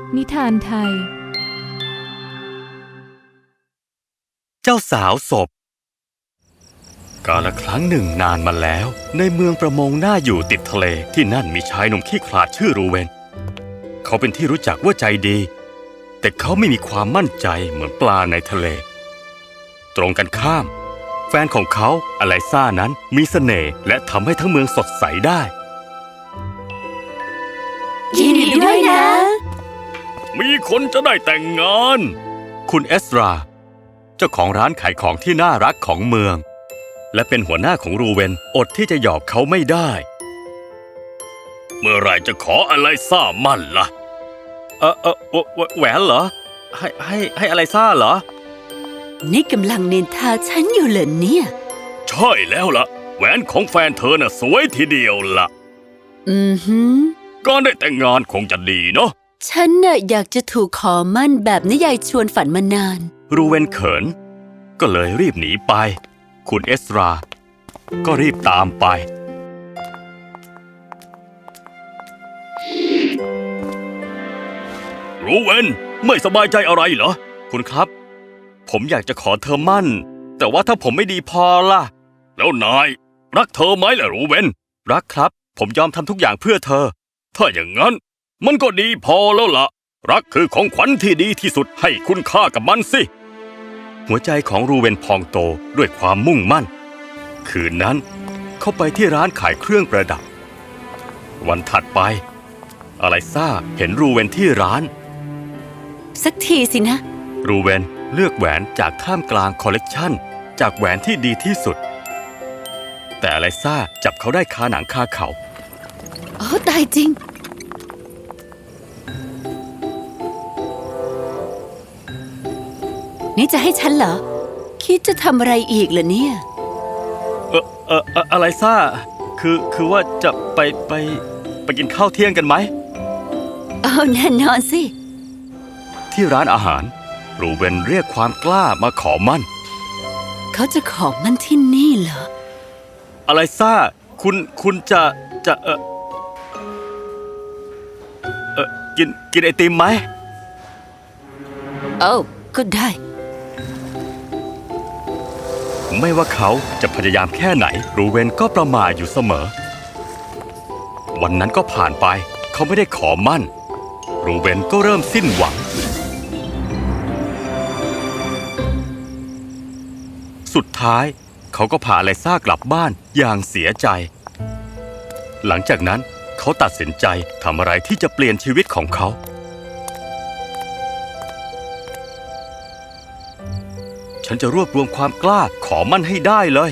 นิทานไทยเจ้าสาวศพกาลครั้งหนึ่งนานมาแล้วในเมืองประมงน่าอยู่ติดทะเลที่นั่นมีชายหนุ่มขี้ขลาดชื่อรูเวนเขาเป็นที่รู้จักว่าใจดีแต่เขาไม่มีความมั่นใจเหมือนปลาในทะเลตรงกันข้ามแฟนของเขาอไลซ่านั้นมีเสน่ห์และทำให้ทั้งเมืองสดใสได้ยินดีด้วยนะมีคนจะได้แต่งงานคุณเอสราเจ้าของร้านขายของที่น่ารักของเมืองและเป็นหัวหน้าของรูเวนอดที่จะหยอกเขาไม่ได้เมื่อไรจะขออไลซ่ามั่นล่ะแหวนเหรอให้อไลซ่าเหรอนี่กำลังนินทาฉันอยู่เหรอเนี่ยใช่แล้วล่ะแหวนของแฟนเธอน่ะสวยทีเดียวล่ะการได้แต่งงานคงจะดีเนาะฉันน่ะอยากจะถูกขอมั่นแบบนิยายชวนฝันมานานรูเวนเขินก็เลยรีบหนีไปคุณเอสราก็รีบตามไปรูเวนไม่สบายใจอะไรเหรอคุณครับผมอยากจะขอเธอมั่นแต่ว่าถ้าผมไม่ดีพอล่ะแล้วนายรักเธอไหมล่ะรูเวนรักครับผมยอมทำทุกอย่างเพื่อเธอถ้าอย่างนั้นมันก็ดีพอแล้วล่ะรักคือของขวัญที่ดีที่สุดให้คุณค่ากับมันสิหัวใจของรูเวนพองโตด้วยความมุ่งมั่นคืนนั้นเขาไปที่ร้านขายเครื่องประดับวันถัดไปอไลซ่าเห็นรูเวนที่ร้านสักทีสินะรูเวนเลือกแหวนจากท่ามกลางคอลเลกชันจากแหวนที่ดีที่สุดแต่อไลซ่าจับเขาได้คาหนังคาเขาตายจริงนี่จะให้ฉันเหรอคิดจะทำอะไรอีกเหรอเนี่ยอไลซ่าคือว่าจะไปกินข้าวเที่ยงกันไหมแน่นอนสิที่ร้านอาหารรูเวนเรียกความกล้ามาขอมั่นเขาจะขอมั่นที่นี่เหรออไลซ่าคุณจะกินไอติมไหมก็ได้ไม่ว่าเขาจะพยายามแค่ไหนรูเวนก็ประมาทอยู่เสมอวันนั้นก็ผ่านไปเขาไม่ได้ขอมั่นรูเวนก็เริ่มสิ้นหวังสุดท้ายเขาก็พาอไลซ่ากลับบ้านอย่างเสียใจหลังจากนั้นเขาตัดสินใจทำอะไรที่จะเปลี่ยนชีวิตของเขาฉันจะรวบรวมความกล้าขอมั่นให้ได้เลย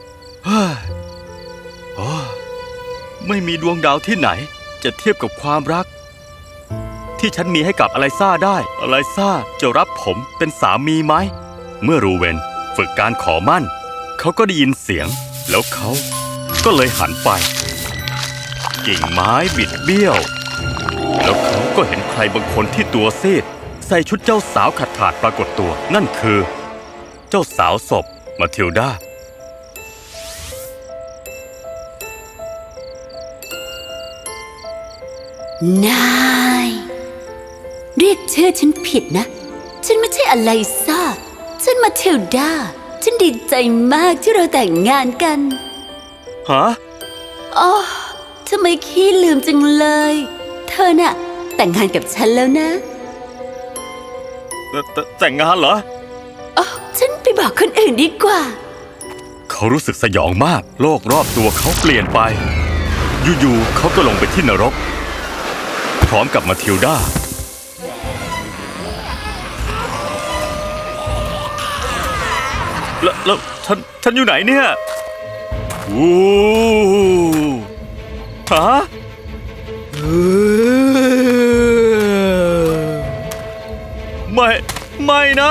ไม่มีดวงดาวที่ไหนจะเทียบกับความรักที่ฉันมีให้กับอไลซ่าได้อไลซ่าจะรับผมเป็นสามีไหมเมื่อรูเวนฝึกการขอมั่นเขาก็ได้ยินเสียงแล้วเขาก็เลยหันไปกิ่งไม้บิดเบี้ยวแล้วเขาก็เห็นใครบางคนที่ตัวซีดใส่ชุดเจ้าสาวขาดปรากฏตัวนั่นคือเจ้าสาวศพมาทิลดานายเรียกชื่อฉันผิดนะฉันไม่ใช่อไลซ่าฉันมาทิลดาฉันดีใจมากที่เราแต่งงานกันฮะทำไมขี้ลืมจังเลยเธอน่ะแต่งงานกับฉันแล้วนะแต่งงานเหรอฉันไปบอกคนอื่นดีกว่าเขารู้สึกสยองมากโลกรอบตัวเขาเปลี่ยนไปอยู่ๆเขาก็ลงไปที่นรกพร้อมกับมาทิลดาแล้วฉันอยู่ไหนเนี่ยฮะไม่นะ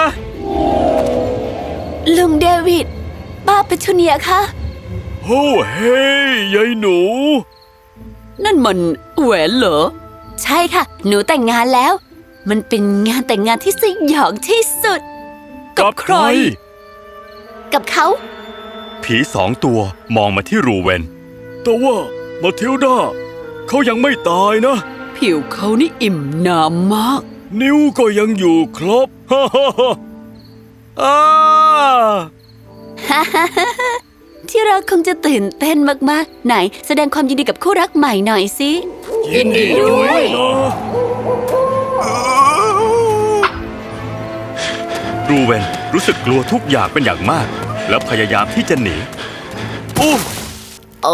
ลุงเดวิดป้าเปทูเนียคะเฮ้ยยายหนูนั่นมันแหวนเหรอใช่ค่ะหนูแต่งงานแล้วมันเป็นงานแต่งงานที่สยองที่สุดกับใครกับเขาผี2 ตัวมองมาที่รูเวนแต่ว่ามาทิลดาเขายังไม่ตายนะผิวเขานี่อิ่มน้ำมากนิ้วก็ยังอยู่ครบ ฮ่าฮ่าฮ่าอ้าที่เราคงจะตื่นเต้นมากๆ ไหนแสดงความยินดีกับคู่รักใหม่หน่อยสิยินดีด้วยนะรูเวนรู้สึกกลัวทุกอย่างเป็นอย่างมาก แล้วพยายามที่จะหนีอู้โอ้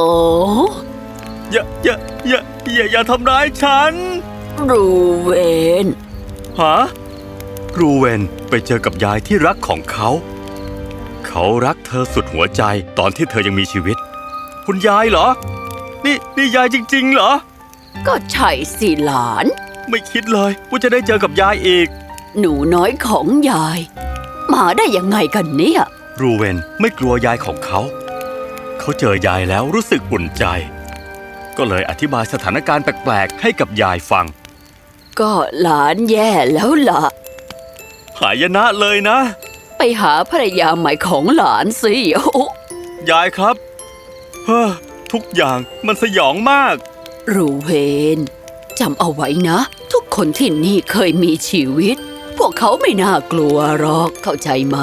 อย่าทำร้ายฉันรูเวนฮะรูเวนไปเจอกับยายที่รักของเขา เขารักเธอสุดหัวใจตอนที่เธอยังมีชีวิต คุณยายเหรอ นี่ยายจริงๆเหรอก็ใช่สิหลานไม่คิดเลยว่าจะได้เจอกับยายอีกหนูน้อยของยาย มาได้ยังไงกันเนี่ยรูเวนไม่กลัวยายของเขา เขาเจอยายแล้วรู้สึกอุ่นใจ ก็เลยอธิบายสถานการณ์แปลกๆให้กับยายฟังก็หลานแย่แล้วล่ะหายนะเลยนะไปหาภรรยาใหม่ของหลานสิโอ้ยายครับเฮ้อทุกอย่างมันสยองมากรูเวนจำเอาไว้นะ ทุกคนที่นี่เคยมีชีวิต พวกเขาไม่น่ากลัวหรอกเข้าใจไหม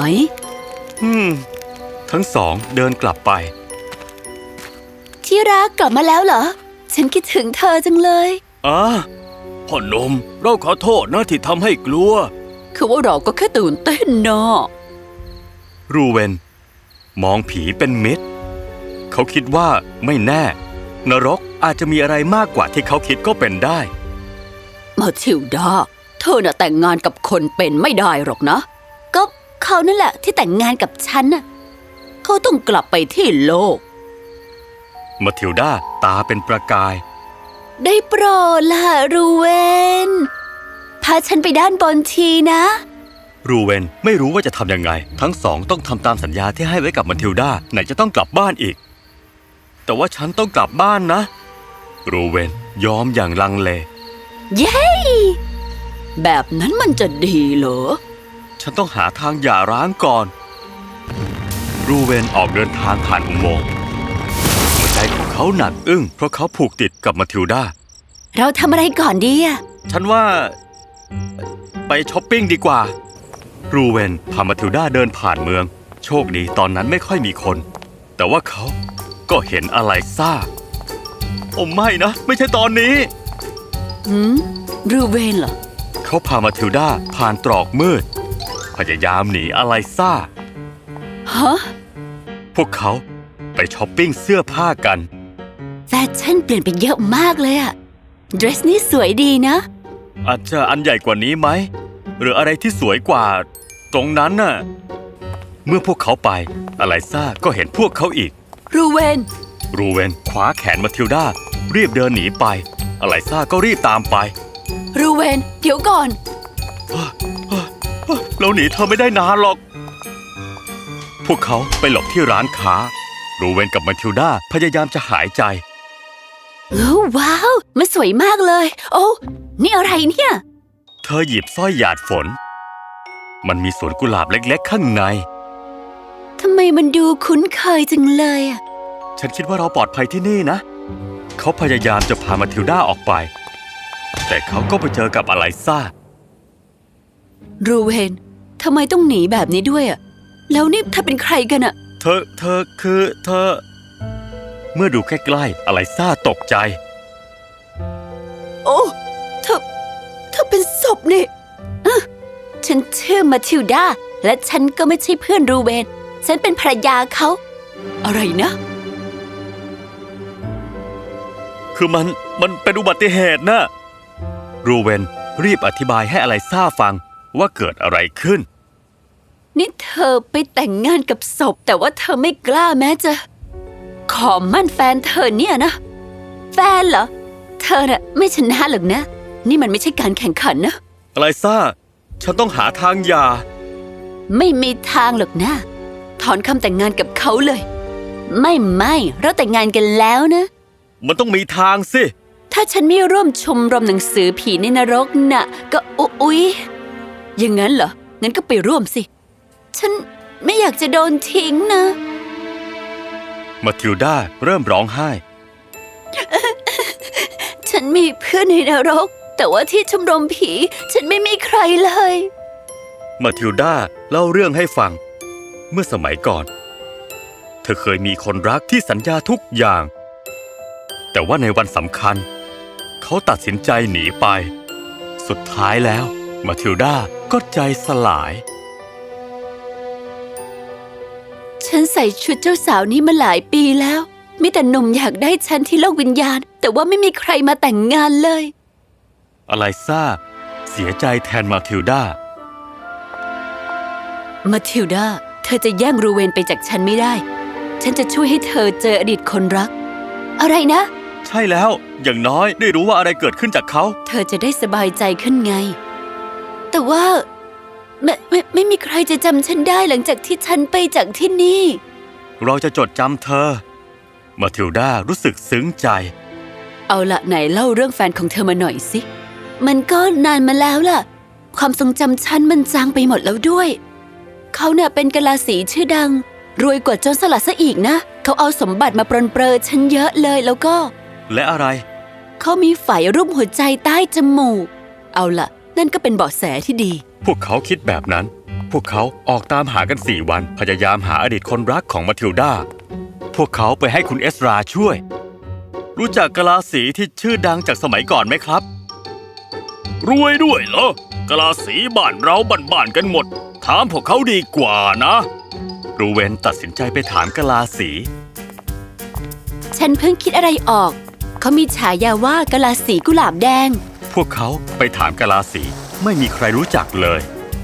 ทั้งสองเดินกลับไปที่รักกลับมาแล้วเหรอ ฉันคิดถึงเธอจังเลยพ่อหนุ่มเราขอโทษนะที่ทำให้กลัวคือว่าเราก็แค่ตื่นเต้นเนาะรูเวนมองผีเป็นมิตร เขาคิดว่าไม่แน่ นรกอาจจะมีอะไรมากกว่าที่เขาคิดก็เป็นได้มาทิลดาเธอน่ะแต่งงานกับคนเป็นไม่ได้หรอกนะ ก็เขานั่นแหละที่แต่งงานกับฉันน่ะเขาต้องกลับไปที่โลกมาทิลดาตาเป็นประกายได้โปรดล่ะรูเวนพาฉันไปด้านบนทีนะรูเวนไม่รู้ว่าจะทำยังไง ทั้งสองต้องทำตามสัญญาที่ให้ไว้กับมาทิลดาไหนจะต้องกลับบ้านอีก แต่ว่าฉันต้องกลับบ้านนะ รูเวนยอมอย่างลังเลเย้ แบบนั้นมันจะดีเหรอฉันต้องหาทางหย่าร้างก่อน รูเวนออกเดินทางผ่านอุโมงค์หัวใจของเขาหนักอึ้งเพราะเขาผูกติดกับมาทิลดาเราทำอะไรก่อนดีอะฉันว่าไปช้อปปิ้งดีกว่า รูเวนพามาทิลดาเดินผ่านเมือง โชคดีตอนนั้นไม่ค่อยมีคน แต่ว่าเขาก็เห็นอะไรซ่า โอ้ไม่นะ ไม่ใช่ตอนนี้รูเวนเหรอเขาพามาทิลดาผ่านตรอกมืด พยายามหนีอะไรซ่าฮะพวกเขาไปช้อปปิ้งเสื้อผ้ากันแฟชั่นเปลี่ยนไปเยอะมากเลยอะเดรสนี้สวยดีนะอาจจะอันใหญ่กว่านี้ไหม หรืออะไรที่สวยกว่า ตรงนั้นน่ะ เมื่อพวกเขาไปอไลซ่าก็เห็นพวกเขาอีกรูเวนรูเวนคว้าแขนมาทิลดารีบเดินหนีไปอไลซ่าก็รีบตามไปรูเวนเดี๋ยวก่อนเราหนีเธอไม่ได้นานหรอก พวกเขาไปหลบที่ร้านค้า รูเวนกับมาทิลดาพยายามจะหายใจโอ้ว้าว มันสวยมากเลย โอ้นี่อะไรเนี่ยเธอหยิบสร้อยหยาดฝน มันมีสวนกุหลาบเล็กๆข้างในทำไมมันดูคุ้นเคยจังเลยอะฉันคิดว่าเราปลอดภัยที่นี่นะ เขาพยายามจะพามาทิลดาออกไป แต่เขาก็ไปเจอกับอไลซ่ารูเวนทำไมต้องหนีแบบนี้ด้วยอะแล้วนี่เธอเป็นใครกันอะเธอ เมื่อดูใกล้ๆอไลซ่าตกใจโอ้เธอเป็นศพนี่ฉันชื่อมาทิลดาและฉันก็ไม่ใช่เพื่อนรูเวนฉันเป็นภรรยาเขา อะไรนะคือมันเป็นอุบัติเหตุนะ รูเวนรีบอธิบายให้อไลซ่าฟังว่าเกิดอะไรขึ้นนี่เธอไปแต่งงานกับศพแต่ว่าเธอไม่กล้าแม้จะขอมั่นแฟนเธอเนี่ยนะ แฟนเหรอ เธอน่ะไม่ชนะหรอกนะ นี่มันไม่ใช่การแข่งขันนะอไลซ่า ฉันต้องหาทางหย่าไม่มีทางหรอกนะ ถอนคำแต่งงานกับเขาเลย ไม่เราแต่งงานกันแล้วนะมันต้องมีทางสิถ้าฉันไม่ร่วมชมรมหนังสือผีในนรกน่ะ ก็อุ๊ยอย่างนั้นเหรอ งั้นก็ไปร่วมสิ ฉันไม่อยากจะโดนทิ้งนะมาทิลดาเริ่มร้องไห้ฉันมีเพื่อนในนรก แต่ว่าที่ชมรมผี ฉันไม่มีใครเลยมาทิลดาเล่าเรื่องให้ฟัง เมื่อสมัยก่อน เธอเคยมีคนรักที่สัญญาทุกอย่าง แต่ว่าในวันสำคัญ เขาตัดสินใจหนีไป สุดท้ายแล้วมาทิลดาก็ใจสลายฉันใส่ชุดเจ้าสาวนี้มาหลายปีแล้ว มีแต่หนุ่มอยากได้ฉันที่โลกวิญญาณ แต่ว่าไม่มีใครมาแต่งงานเลยอไลซ่าเสียใจแทนมาทิลดามาทิลดา เธอจะแย่งรูเวนไปจากฉันไม่ได้ ฉันจะช่วยให้เธอเจออดีตคนรัก อะไรนะใช่แล้ว อย่างน้อยได้รู้ว่าอะไรเกิดขึ้นจากเขาเธอจะได้สบายใจขึ้นไง แต่ว่าไม่มีใครจะจำฉันได้หลังจากที่ฉันไปจากที่นี่เราจะจดจำเธอ มาทิลดารู้สึกซึ้งใจเอาละไหนเล่าเรื่องแฟนของเธอมาหน่อยสิ มันก็นานมาแล้วล่ะ ความทรงจำฉันมันจางไปหมดแล้วด้วย เขาเนี่ยเป็นกะลาสีชื่อดัง รวยกว่าโจรสลัดซะอีกนะ เขาเอาสมบัติมาปรนเปรอฉันเยอะเลยแล้วก็และอะไรเขามีไฝรูปหัวใจใต้จมูก เอาล่ะ นั่นก็เป็นเบาะแสที่ดีพวกเขาคิดแบบนั้น พวกเขาออกตามหากัน4 วัน พยายามหาอดีตคนรักของมาทิลดา พวกเขาไปให้คุณเอสราช่วย รู้จักกะลาสีที่ชื่อดังจากสมัยก่อนไหมครับ รวยด้วยเหรอกะลาสีบ้านเราบ้านๆกันหมด ถามพวกเขาดีกว่านะ รูเวนตัดสินใจไปถามกะลาสีฉันเพิ่งคิดอะไรออก เขามีฉายาว่ากะลาสีกุหลาบแดงพวกเขาไปถามกะลาสีไม่มีใครรู้จักเลย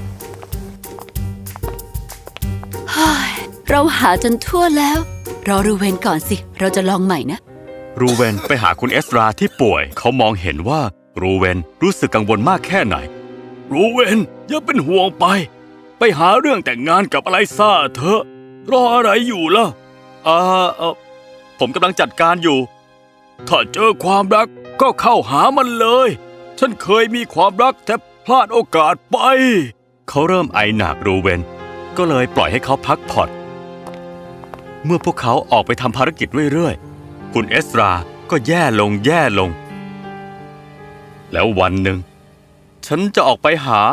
เราหาจนทั่วแล้ว รอรูเวนก่อนสิ เราจะลองใหม่นะรูเวนไปหาคุณเอสราที่ป่วย เขามองเห็นว่ารูเวนรู้สึกกังวลมากแค่ไหน รูเวนอย่าเป็นห่วงไป ไปหาเรื่องแต่งงานกับอไลซ่าเถอะ รออะไรอยู่ล่ะผมกำลังจัดการอยู่ ถ้าเจอความรักก็เข้าหามันเลย ฉันเคยมีความรักแต่พลาดโอกาสไป เขาเริ่มไอหนักรูเวนก็เลยปล่อยให้เขาพักผ่อนเมื่อพวกเขาออกไปทำภารกิจเรื่อยๆคุณเอสราก็แย่ลง แล้ววันหนึ่งฉันจะออกไปหา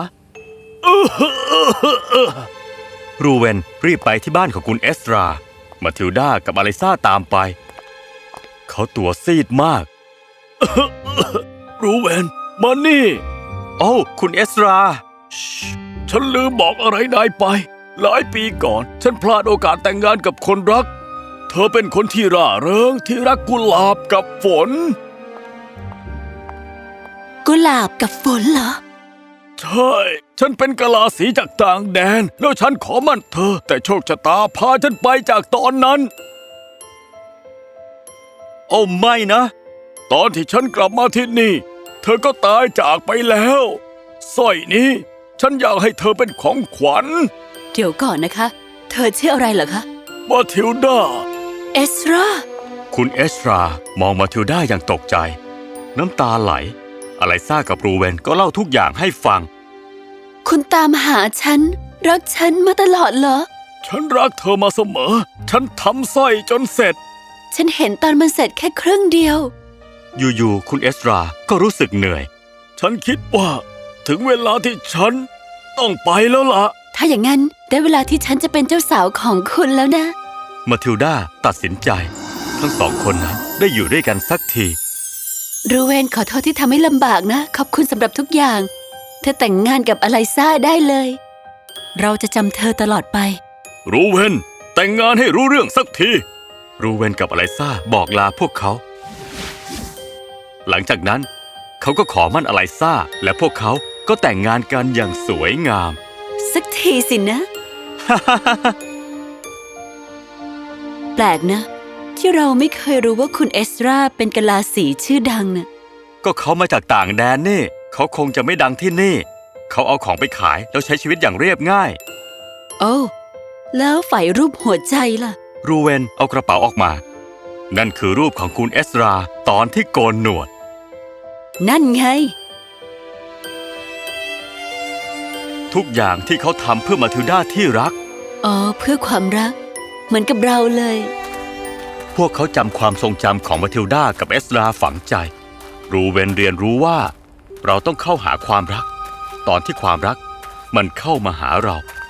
รูเวนรีบไปที่บ้านของคุณเอสรามาทิลดากับอไลซ่าตามไปเขาตัวซีดมาก รูเวนมานี่โอ้คุณเอสราฉันลืมบอกอะไรนายไป หลายปีก่อนฉันพลาดโอกาสแต่งงานกับคนรัก เธอเป็นคนที่ร่าเริงที่รักกุหลาบกับฝนกุหลาบกับฝนเหรอใช่ ฉันเป็นกะลาสีจากต่างแดน แล้วฉันขอมั่นเธอ แต่โชคชะตาพาฉันไปจากตอนนั้น โอ้ไม่นะ ตอนที่ฉันกลับมาที่นี่ เธอก็ตายจากไปแล้วสร้อยนี้ฉันอยากให้เธอเป็นของขวัญเดี๋ยวก่อนนะคะ เธอชื่ออะไรเหรอคะมาทิลดาเอสราคุณเอสรามองมาทิลดาอย่างตกใจ น้ำตาไหลอไลซ่ากับรูเวนก็เล่าทุกอย่างให้ฟังคุณตามหาฉัน รักฉันมาตลอดเหรอฉันรักเธอมาเสมอ ฉันทำสร้อยจนเสร็จฉันเห็นตอนมันเสร็จแค่ครึ่งเดียวอยู่ๆคุณเอสราก็รู้สึกเหนื่อย ฉันคิดว่าถึงเวลาที่ฉันต้องไปแล้วล่ะถ้าอย่างนั้นได้เวลาที่ฉันจะเป็นเจ้าสาวของคุณแล้วนะมาทิลดาตัดสินใจ ทั้งสองคนนั้นได้อยู่ด้วยกันสักทีรูเวนขอโทษที่ทำให้ลำบากนะ ขอบคุณสำหรับทุกอย่าง เธอแต่งงานกับอไลซ่าได้เลย เราจะจำเธอตลอดไปรูเวนแต่งงานให้รู้เรื่องสักที รูเวนกับอไลซ่าบอกลาพวกเขา หลังจากนั้นเขาก็ขอมั่นอไลซ่าและพวกเขาก็แต่งงานกันอย่างสวยงามสักทีสินะ แปลกนะ ที่เราไม่เคยรู้ว่าคุณเอสราเป็นกะลาสีชื่อดังนะก็เขามาจากต่างแดนนี่ เขาคงจะไม่ดังที่นี่ เขาเอาของไปขายแล้วใช้ชีวิตอย่างเรียบง่ายโอ้แล้วฝ่ายรูปหัวใจล่ะรูเวนเอากระเป๋าออกมา นั่นคือรูปของคุณเอสราตอนที่โกนหนวดนั่นไงทุกอย่างที่เขาทำเพื่อมาทิลดาที่รักอ๋อเพื่อความรัก เหมือนกับเราเลยพวกเขาจำความทรงจำของมาทิลดากับเอสราฝังใจรูเวนเรียนรู้ว่าเราต้องเข้าหาความรัก ตอนที่ความรักมันเข้ามาหาเรา